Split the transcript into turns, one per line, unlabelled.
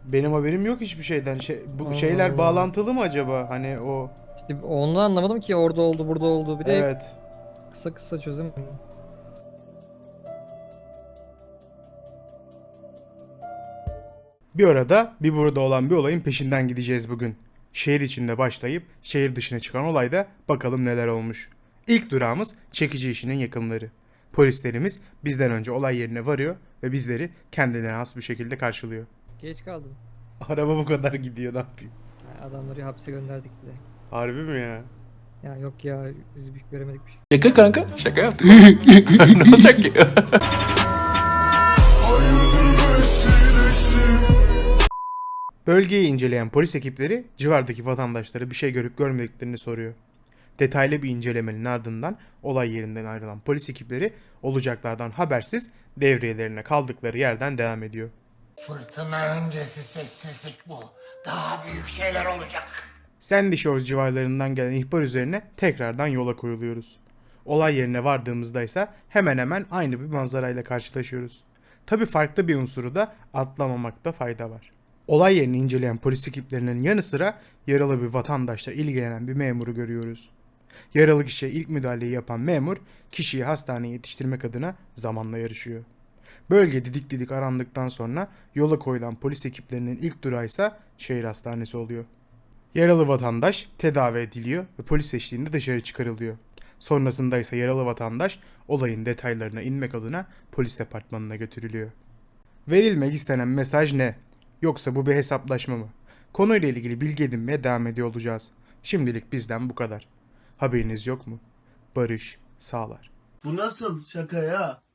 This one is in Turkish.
Benim haberim yok hiçbir şeyden. Bu
Allah
şeyler
Allah.
bağlantılı mı acaba? Hani o...
İşte onu anlamadım ki, orada oldu burada oldu. Bir de hep
Evet.
kısa kısa çözüm.
Bir orada bir burada olan bir olayın peşinden gideceğiz bugün. Şehir içinde başlayıp şehir dışına çıkan olayda bakalım neler olmuş. İlk durağımız çekici işinin yakınları. Polislerimiz bizden önce olay yerine varıyor ve bizleri kendilerine has bir şekilde karşılıyor.
Geç kaldın.
Araba bu kadar gidiyor, ne yapayım?
Ha, adamları hapse gönderdik bile.
Harbi mi ya?
Ya yok ya, biz bir göremedik bir şey.
Şaka kanka. Şaka yaptık. Ne olacak ki?
Bölgeyi inceleyen polis ekipleri civardaki vatandaşlara bir şey görüp görmediklerini soruyor. Detaylı bir incelemenin ardından olay yerinden ayrılan polis ekipleri olacaklardan habersiz devriyelerine kaldıkları yerden devam ediyor.
Fırtına öncesi sessizlik bu. Daha büyük şeyler olacak.
Sandy Shores civarlarından gelen ihbar üzerine tekrardan yola koyuluyoruz. Olay yerine vardığımızda ise hemen hemen aynı bir manzarayla karşılaşıyoruz. Tabi farklı bir unsuru da atlamamakta fayda var. Olay yerini inceleyen polis ekiplerinin yanı sıra yaralı bir vatandaşla ilgilenen bir memuru görüyoruz. Yaralı kişiye ilk müdahaleyi yapan memur kişiyi hastaneye yetiştirmek adına zamanla yarışıyor. Bölge didik didik arandıktan sonra yola koyulan polis ekiplerinin ilk durağı ise şehir hastanesi oluyor. Yaralı vatandaş tedavi ediliyor ve polis eşliğinde dışarı çıkarılıyor. Sonrasında ise yaralı vatandaş olayın detaylarına inmek adına polis departmanına götürülüyor. Verilmek istenen mesaj ne? Yoksa bu bir hesaplaşma mı? Konuyla ilgili bilgi edinmeye devam ediyor olacağız. Şimdilik bizden bu kadar. Haberiniz yok mu? Barış sağlar.
Bu nasıl şaka ya?